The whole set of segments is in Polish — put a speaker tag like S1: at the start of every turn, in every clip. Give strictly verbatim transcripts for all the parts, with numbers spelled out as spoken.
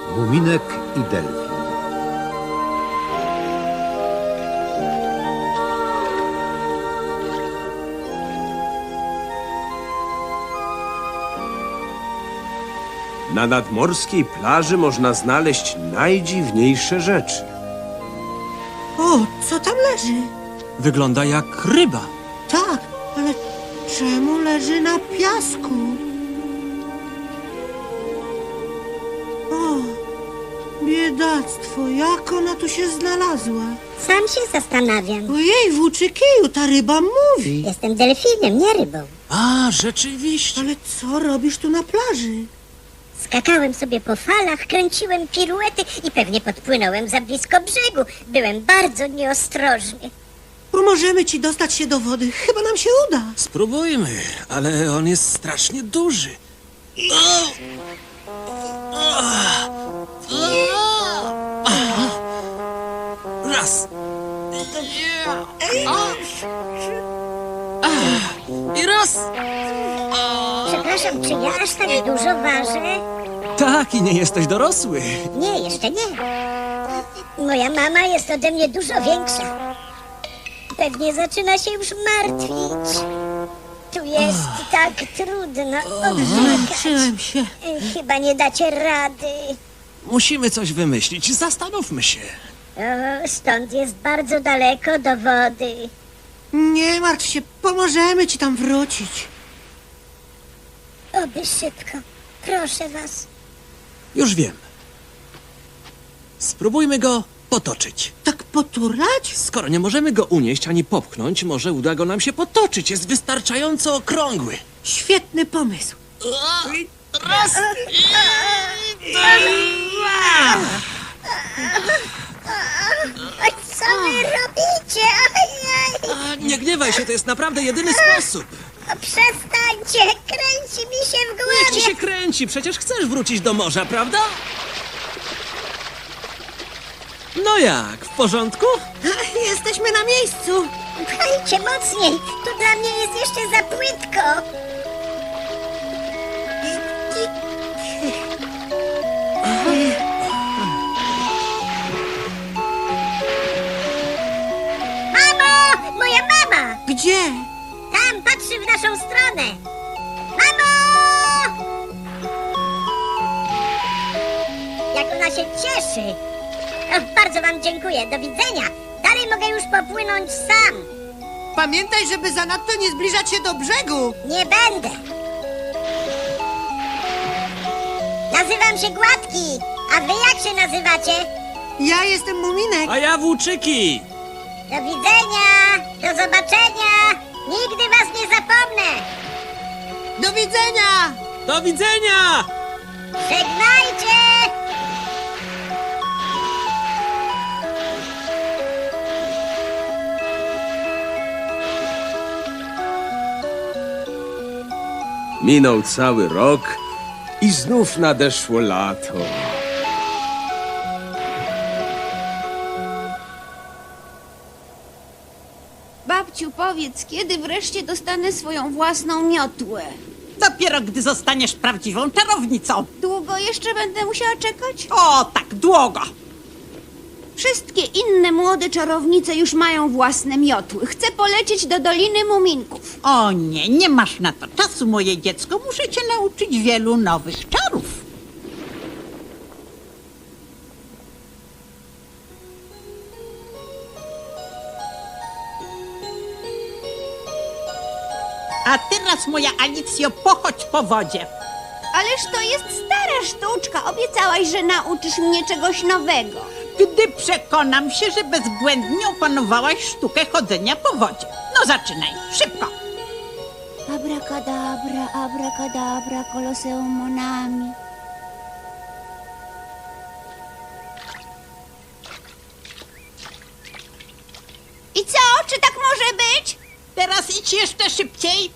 S1: Muminek i delfin.
S2: Na nadmorskiej plaży można znaleźć najdziwniejsze rzeczy.
S3: O, co tam leży?
S4: Wygląda jak ryba.
S3: Tak, ale czemu leży na piasku? O, biedactwo, jak ona tu się znalazła?
S5: Sam się zastanawiam.
S3: Ojej, włóczykiju, ta ryba mówi.
S5: Jestem delfinem, nie rybą.
S4: A, rzeczywiście.
S3: Ale co robisz tu na plaży?
S5: Skakałem sobie po falach, kręciłem piruety i pewnie podpłynąłem za blisko brzegu. Byłem bardzo nieostrożny.
S3: Pomożemy ci dostać się do wody. Chyba nam się uda.
S4: Spróbujmy, ale on jest strasznie duży. Raz. I raz.
S5: Przepraszam, czy ja aż tak dużo ważę?
S4: Tak, i nie jesteś dorosły.
S5: Nie, jeszcze nie. Moja mama jest ode mnie dużo większa. Pewnie zaczyna się już martwić. Tu jest tak trudno oddychać.
S3: Zmęczyłem się.
S5: Chyba nie dacie rady.
S4: Musimy coś wymyślić. Zastanówmy się.
S5: O, stąd jest bardzo daleko do wody.
S3: Nie martw się, pomożemy ci tam wrócić.
S5: Oby szybko. Proszę was.
S4: Już wiem. Spróbujmy go potoczyć.
S3: Tak poturlać?
S4: Skoro nie możemy go unieść ani popchnąć, może uda go nam się potoczyć. Jest wystarczająco okrągły.
S3: Świetny pomysł.
S4: Raz.
S5: Oj, co wy robicie? Ojej.
S4: A, nie gniewaj się, to jest naprawdę jedyny sposób.
S5: Przestańcie, kręci mi się w
S4: Niech ci
S5: głowie.
S4: się kręci, przecież chcesz wrócić do morza, prawda? No jak, w porządku?
S3: Jesteśmy na miejscu.
S5: Pchajcie mocniej, tu dla mnie jest jeszcze za płytko. Mamo! Moja mama!
S3: Gdzie?
S5: Tam patrzy w naszą stronę. Mamo! Jak ona się cieszy. O, bardzo wam dziękuję. Do widzenia. Dalej mogę już popłynąć sam.
S3: Pamiętaj, żeby zanadto nie zbliżać się do brzegu.
S5: Nie będę. Nazywam się Gładki. A wy jak się nazywacie?
S3: Ja jestem Muminek.
S4: A ja włóczyki.
S5: Do widzenia. Do zobaczenia. Nigdy was nie zapomnę.
S3: Do widzenia.
S4: Do widzenia!
S5: Żegnajcie.
S2: Minął cały rok i znów nadeszło lato.
S6: Babciu, powiedz, kiedy wreszcie dostanę swoją własną miotłę?
S7: Dopiero gdy zostaniesz prawdziwą czarownicą.
S6: Długo jeszcze będę musiała czekać?
S7: O, tak długo.
S6: Wszystkie inne młode czarownice już mają własne miotły. Chcę polecieć do Doliny Muminków.
S7: O nie, nie masz na to czasu, moje dziecko. Muszę cię nauczyć wielu nowych czarów. A teraz, moja Alicjo, pochodź po wodzie.
S6: Ależ to jest stara sztuczka. Obiecałaś, że nauczysz mnie czegoś nowego.
S7: Gdy przekonam się, że bezbłędnie opanowałaś sztukę chodzenia po wodzie. No zaczynaj, szybko.
S6: Abracadabra, abracadabra, koloseum monami. I co? Czy tak może być?
S7: Teraz idź jeszcze szybciej.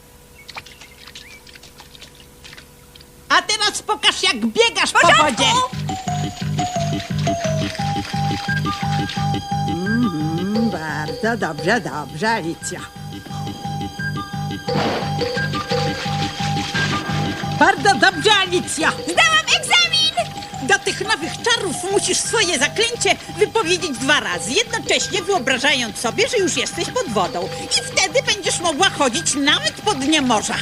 S7: A teraz pokaż, jak biegasz po wodzie. Mm, bardzo dobrze, dobrze, Alicja. Bardzo dobrze, Alicja.
S6: Zdałam egzamin!
S7: Do tych nowych czarów musisz swoje zaklęcie wypowiedzieć dwa razy, jednocześnie wyobrażając sobie, że już jesteś pod wodą. I wtedy będziesz mogła chodzić nawet po dnie morza.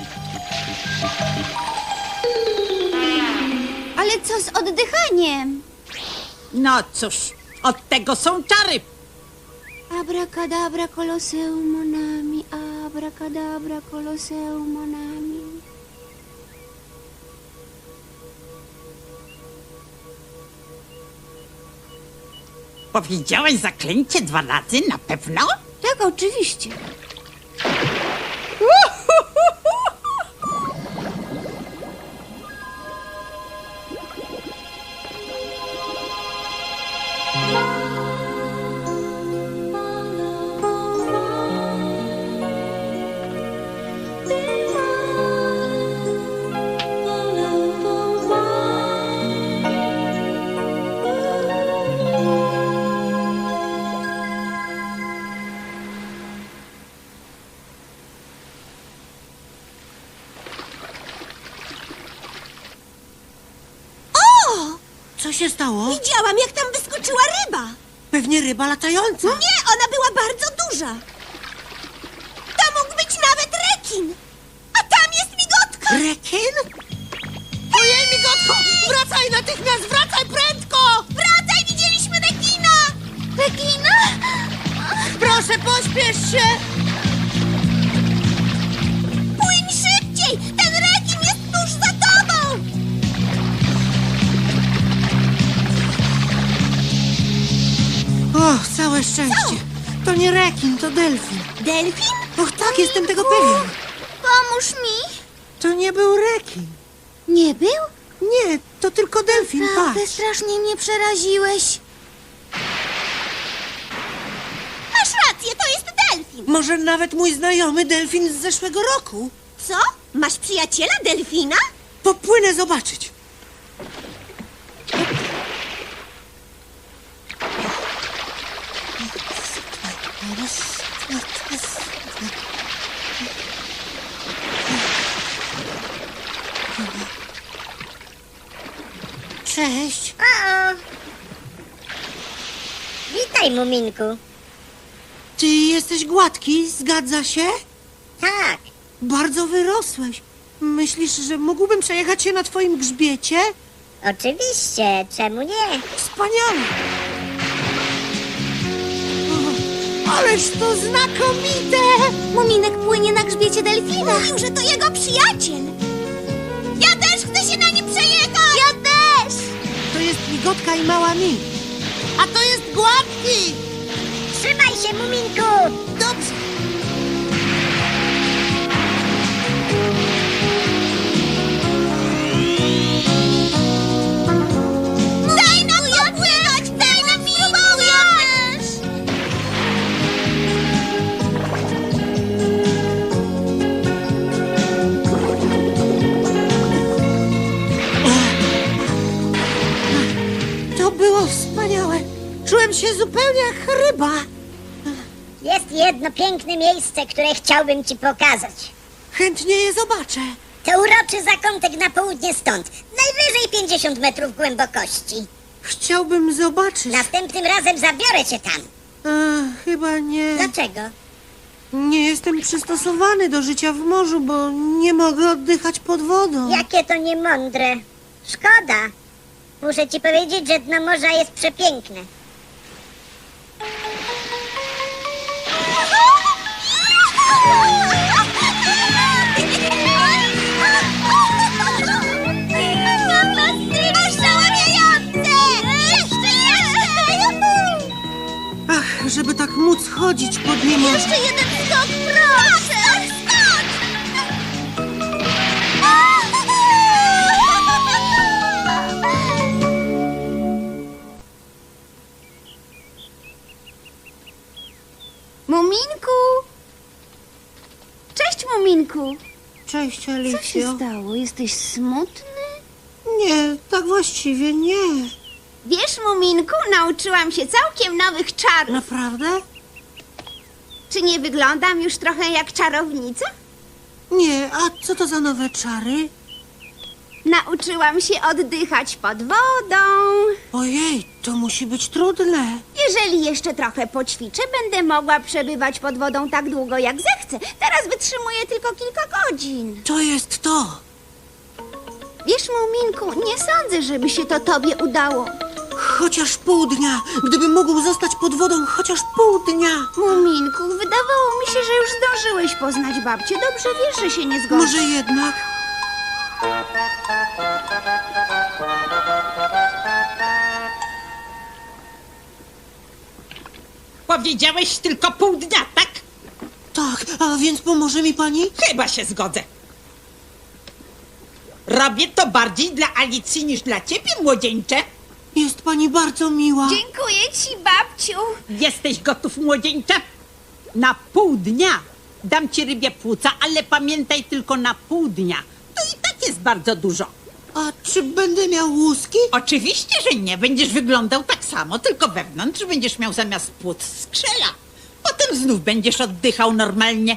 S6: Ale co z oddychaniem?
S7: No cóż, od tego są czary.
S6: Abracadabra koloseum monami, abracadabra koloseum monami.
S7: Powiedziałaś zaklęcie dwa razy, na pewno?
S6: Tak, oczywiście.
S3: Co się stało?
S6: Widziałam, jak tam wyskoczyła ryba.
S3: Pewnie ryba latająca.
S6: Nie, ona była bardzo duża. To mógł być nawet rekin. A tam jest migotka.
S3: Rekin? Ojej, migotko! Wracaj natychmiast! Wracaj prędko!
S6: Wracaj, widzieliśmy rekina. Rekina?
S3: Proszę, pośpiesz się!
S6: Płyń szybciej! Ten rekin jest tuż za tobą!
S3: O, całe szczęście. To nie rekin, to delfin.
S6: Delfin?
S3: Och, tak, jestem tego pewien.
S6: Pomóż mi.
S3: To nie był rekin.
S6: Nie był?
S3: Nie, to tylko delfin,
S6: Naprawdę
S3: patrz.
S6: strasznie mnie przeraziłeś. Masz rację, to jest delfin.
S3: Może nawet mój znajomy delfin z zeszłego roku.
S6: Co? Masz przyjaciela delfina?
S3: Popłynę zobaczyć. Cześć.
S5: O! Witaj, Muminku.
S3: Ty jesteś gładki, zgadza się?
S5: Tak,
S3: Bardzo wyrosłeś. Myślisz, że mógłbym przejechać się na twoim grzbiecie?
S5: oczywiście, czemu nie?
S3: Wspaniale! O, ależ to znakomite!
S6: Muminek płynie na grzbiecie delfina. Mówił, że to jego przyjaciel. Ja też chcę się na nim przejechać. Ja też.
S3: To jest migotka i mała mi. A to jest gładki!
S5: Trzymaj się, Muminku!
S3: Dobrze.
S6: Daj nam popłynąć! Daj nam spróbować!
S3: To było wspaniałe. Czułem się zupełnie jak ryba.
S5: Jest jedno piękne miejsce, które chciałbym ci pokazać.
S3: Chętnie je zobaczę.
S5: To uroczy zakątek na południe stąd. Najwyżej pięćdziesiąt metrów głębokości.
S3: Chciałbym zobaczyć.
S5: Następnym razem zabiorę cię tam.
S3: A, chyba nie.
S5: Dlaczego?
S3: Nie jestem przystosowany do życia w morzu, bo nie mogę oddychać pod wodą.
S5: Jakie to niemądre. Szkoda. Muszę ci powiedzieć, że dno morza jest przepiękne.
S3: Ach, żeby tak móc chodzić pod nim.
S6: Jeszcze jeden skok, proszę! Skok, Muminku! Cześć, Muminku!
S3: Cześć,
S6: Co się
S3: Alicjo.
S6: stało? Jesteś smutny?
S3: Nie, tak właściwie nie.
S6: Wiesz, Muminku, nauczyłam się całkiem nowych czarów.
S3: Naprawdę?
S6: Czy nie wyglądam już trochę jak czarownica?
S3: Nie, a co to za nowe czary?
S6: Nauczyłam się oddychać pod wodą.
S3: Ojej, to musi być trudne.
S6: Jeżeli jeszcze trochę poćwiczę, będę mogła przebywać pod wodą tak długo, jak zechcę. Teraz wytrzymuję tylko kilka godzin.
S3: To jest to.
S6: Wiesz, Muminku, nie sądzę, żeby się to tobie udało.
S3: Chociaż pół dnia. Gdybym mógł zostać pod wodą chociaż pół dnia.
S6: Muminku, wydawało mi się, że już zdążyłeś poznać babcię. Dobrze wiesz, że się nie zgodzi.
S3: Może jednak.
S7: Powiedziałeś tylko pół dnia, tak?
S3: Tak, a więc pomoże mi pani?
S7: Chyba się zgodzę. Robię to bardziej dla Alicji niż dla ciebie, młodzieńcze.
S3: Jest pani bardzo miła.
S6: Dziękuję ci, babciu.
S7: Jesteś gotów, młodzieńcze? Na pół dnia dam ci rybie płuca, ale pamiętaj tylko na pół dnia. To i tak jest bardzo dużo.
S3: A czy będę miał łuski?
S7: Oczywiście, że nie. Będziesz wyglądał tak samo, tylko wewnątrz będziesz miał zamiast płuc skrzela. Potem znów będziesz oddychał normalnie.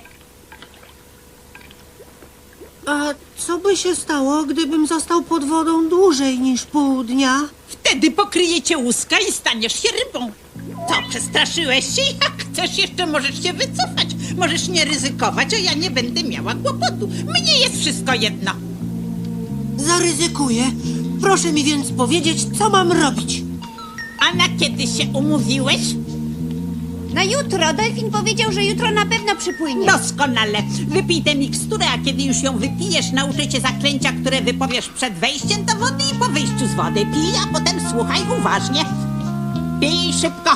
S3: A co by się stało, gdybym został pod wodą dłużej niż pół dnia?
S7: Wtedy pokryje cię łuska i staniesz się rybą. Co, przestraszyłeś się? Jak chcesz, jeszcze możesz się wycofać. Możesz nie ryzykować, a ja nie będę miała kłopotu. Mnie jest wszystko jedno.
S3: Zaryzykuję. Proszę mi więc powiedzieć, co mam robić.
S7: A na kiedy się umówiłeś?
S6: Na jutro. Delfin powiedział, że jutro na pewno przypłynie.
S7: Doskonale. Wypij tę miksturę, a kiedy już ją wypijesz, nauczę cię zaklęcia, które wypowiesz przed wejściem do wody i po wyjściu z wody. Pij, a potem słuchaj uważnie. Pij szybko.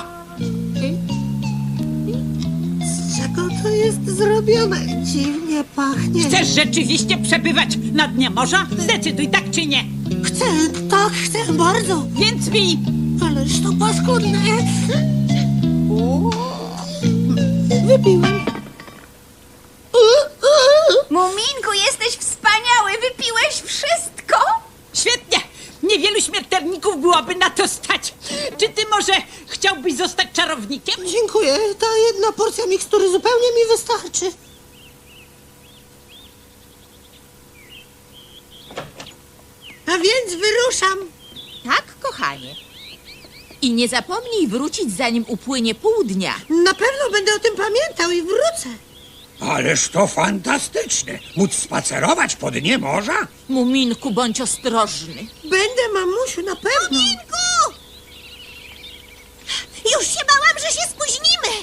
S3: Z czego to jest zrobione? Dziwnie pachnie.
S7: Chcesz rzeczywiście przebywać na dnie morza? Zdecyduj, tak czy nie.
S3: Chcę, tak, chcę bardzo.
S7: Więc pij.
S3: Ależ to paskudne. Wypiłem.
S6: Muminku, jesteś wspaniały. Wypiłeś wszystko?
S7: Świetnie. Niewielu śmiertelników byłoby na to stać. Czy ty może chciałbyś zostać czarownikiem?
S3: Dziękuję. Ta jedna porcja mikstury zupełnie mi wystarczy. A więc wyruszam.
S8: Tak, kochanie. I nie zapomnij wrócić, zanim upłynie pół dnia.
S3: Na pewno będę o tym pamiętał i wrócę.
S1: Ależ to fantastyczne! Móc spacerować po dnie morza?
S8: Muminku, bądź ostrożny.
S3: Będę, mamusiu, na pewno.
S6: Muminku! Już się bałam, że się spóźnimy.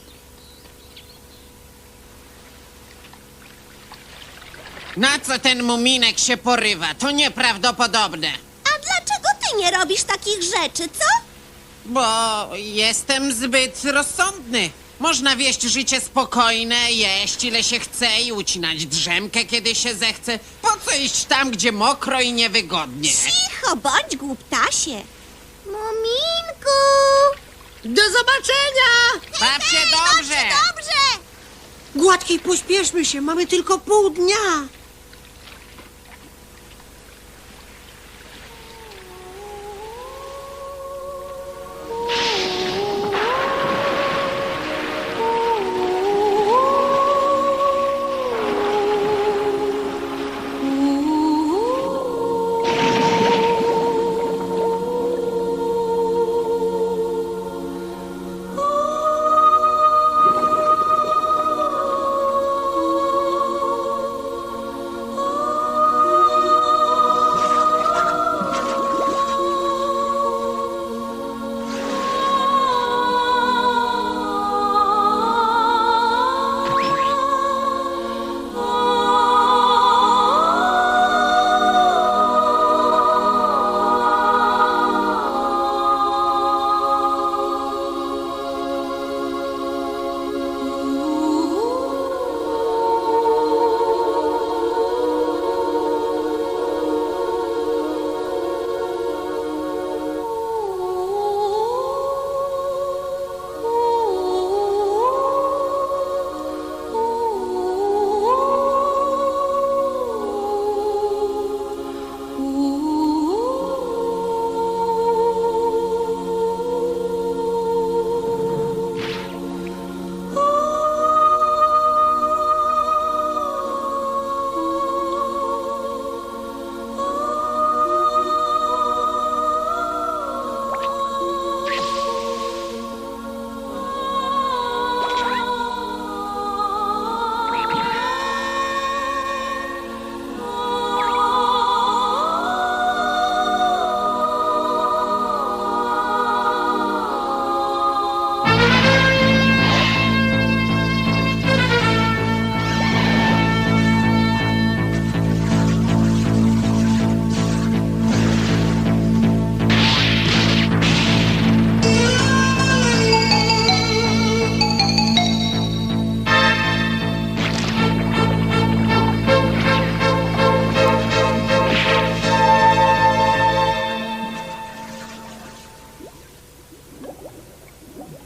S9: Na co ten muminek się porywa? To nieprawdopodobne.
S6: A dlaczego ty nie robisz takich rzeczy, co?
S9: Bo jestem zbyt rozsądny. Można wieść życie spokojne, jeść ile się chce i ucinać drzemkę, kiedy się zechce. Po co iść tam, gdzie mokro i niewygodnie?
S6: Cicho, bądź głuptasie. Muminku!
S3: Do zobaczenia!
S9: Baw się dobrze!
S6: Dobrze!
S3: Gładkiej, pośpieszmy się, mamy tylko pół dnia.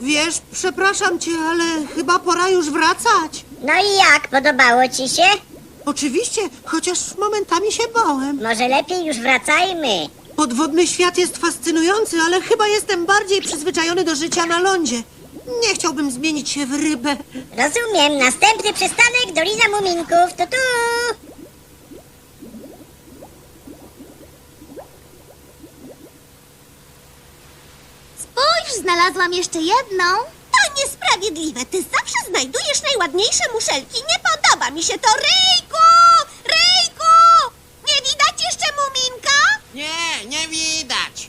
S3: Wiesz, przepraszam cię, ale chyba pora już wracać.
S5: No i jak? Podobało ci się?
S3: Oczywiście, chociaż momentami się bałem.
S5: Może lepiej już wracajmy.
S3: Podwodny świat jest fascynujący, ale chyba jestem bardziej przyzwyczajony do życia na lądzie. Nie chciałbym zmienić się w rybę.
S5: Rozumiem. Następny przystanek Dolina Muminków. Tu tu.
S6: Spójrz, znalazłam jeszcze jedną. To niesprawiedliwe. Ty zawsze znajdujesz najładniejsze muszelki. Nie podoba mi się to. Ryjku! Ryjku! Nie widać jeszcze muminka?
S9: Nie, nie widać.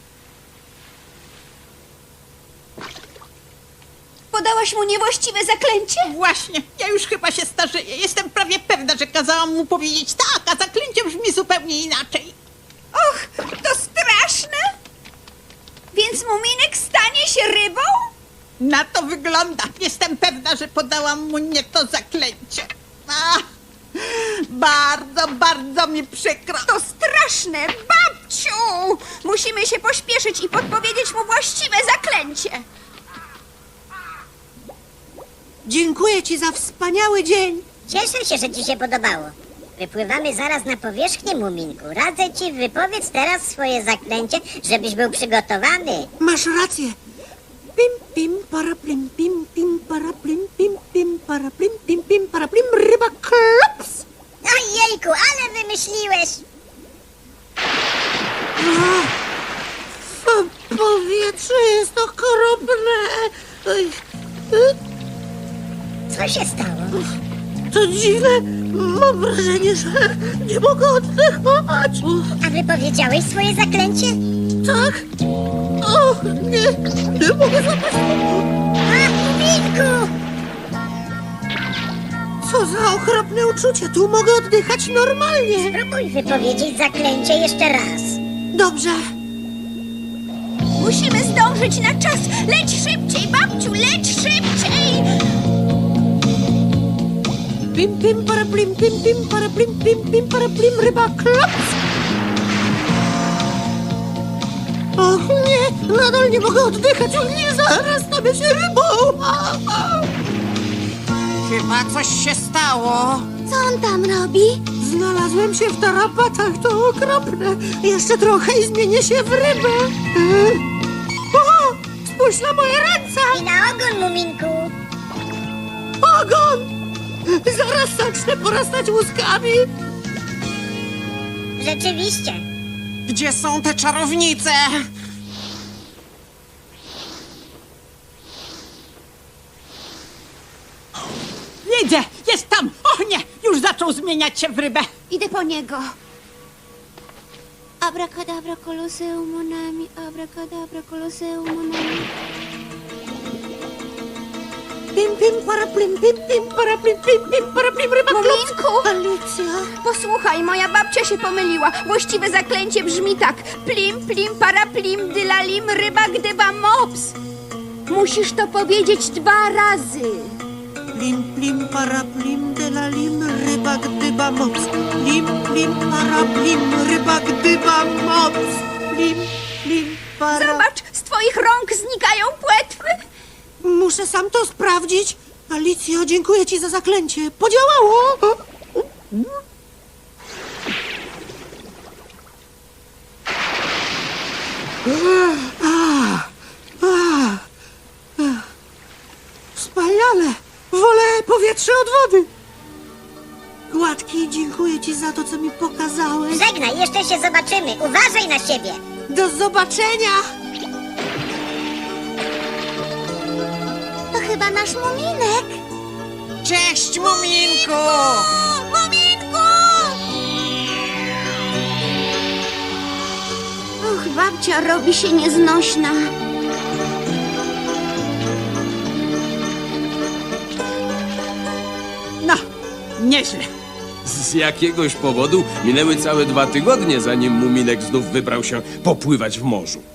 S6: Podałaś mu niewłaściwe zaklęcie?
S7: Właśnie, ja już chyba się starzeję. Jestem prawie pewna, że kazałam mu powiedzieć tak, a zaklęcie brzmi zupełnie inaczej.
S6: Och, to straszne! Więc muminek stanie się rybą?
S7: Na to wygląda. Jestem pewna, że podałam mu nie to zaklęcie. Ach, bardzo, bardzo mi przykro.
S6: To straszne! Babciu! Musimy się pośpieszyć i podpowiedzieć mu właściwe zaklęcie.
S3: Dziękuję ci za wspaniały dzień.
S5: Cieszę się, że ci się podobało. Wypływamy zaraz na powierzchnię, Muminku. Radzę ci, wypowiedz teraz swoje zaklęcie, żebyś był przygotowany.
S3: Masz rację. Pim, pim, para, plim, pim, pim, para, plim, pim, pim, para, plim, pim, pim, para, plim, ryba klops.
S5: Ojejku, ale wymyśliłeś!
S3: W powietrze jest okropne. Oj, y,
S5: Co się stało?
S3: To dziwne. Mam wrażenie, że nie mogę oddychać.
S5: A wypowiedziałeś swoje zaklęcie?
S3: Tak? O, nie, nie mogę zapaść.
S5: A, Muminku!
S3: Co za okropne uczucie. Tu mogę oddychać normalnie.
S5: Spróbuj wypowiedzieć zaklęcie jeszcze raz.
S3: Dobrze.
S6: Musimy zdążyć na czas. Leć szybciej, babciu, leć szybciej!
S3: Pim, pim, para, plim, pim, pim, para, plim, pim, pim, para, plim, ryba klops. Och nie, nadal nie mogę oddychać. O nie, zaraz stanę się rybą. A, a.
S9: Chyba coś się stało.
S6: Co on tam robi?
S3: Znalazłem się w tarapatach, to okropne. Jeszcze trochę i zmienię się w rybę. E? O, spójrz na moje ręce.
S5: I na ogon, Muminku!
S3: Ogon! Zaraz zacznę porastać łuskami.
S5: Rzeczywiście.
S9: Gdzie są te czarownice?
S7: Widzę, jest tam. O nie, już zaczął zmieniać się w rybę.
S6: Idę po niego. Abracadabra, koloseum monami, abracadabra, koloseum monami.
S3: Pim, pim, para, plim, pim, pim, para, plim, pim, pim, para, plim, ryba klops.
S6: Muminku!
S3: Alicja.
S6: Posłuchaj, moja babcia się pomyliła. Właściwe zaklęcie brzmi tak. Plim, plim, para, plim, dylalim, ryba, gdyba, mops. Musisz to powiedzieć dwa razy.
S3: Plim, plim, para, plim, delalim, ryba, gdyba, mops. Plim, plim, para, plim, ryba, gdyba, mops. Plim, plim, para...
S6: Zobacz, z twoich rąk znikają płetwy.
S3: Muszę sam to sprawdzić. Alicjo, dziękuję ci za zaklęcie. Podziałało. A, a, a. Wspaniale. Wolę powietrze od wody. Gładki, dziękuję ci za to, co mi pokazałeś.
S5: Żegnaj, jeszcze się zobaczymy. Uważaj na siebie.
S3: Do zobaczenia.
S6: To chyba nasz muminek.
S9: Cześć, Muminku!
S6: Muminku! Och, babcia robi się nieznośna.
S7: No, nieźle.
S2: Z jakiegoś powodu minęły całe dwa tygodnie, zanim Muminek znów wybrał się popływać w morzu.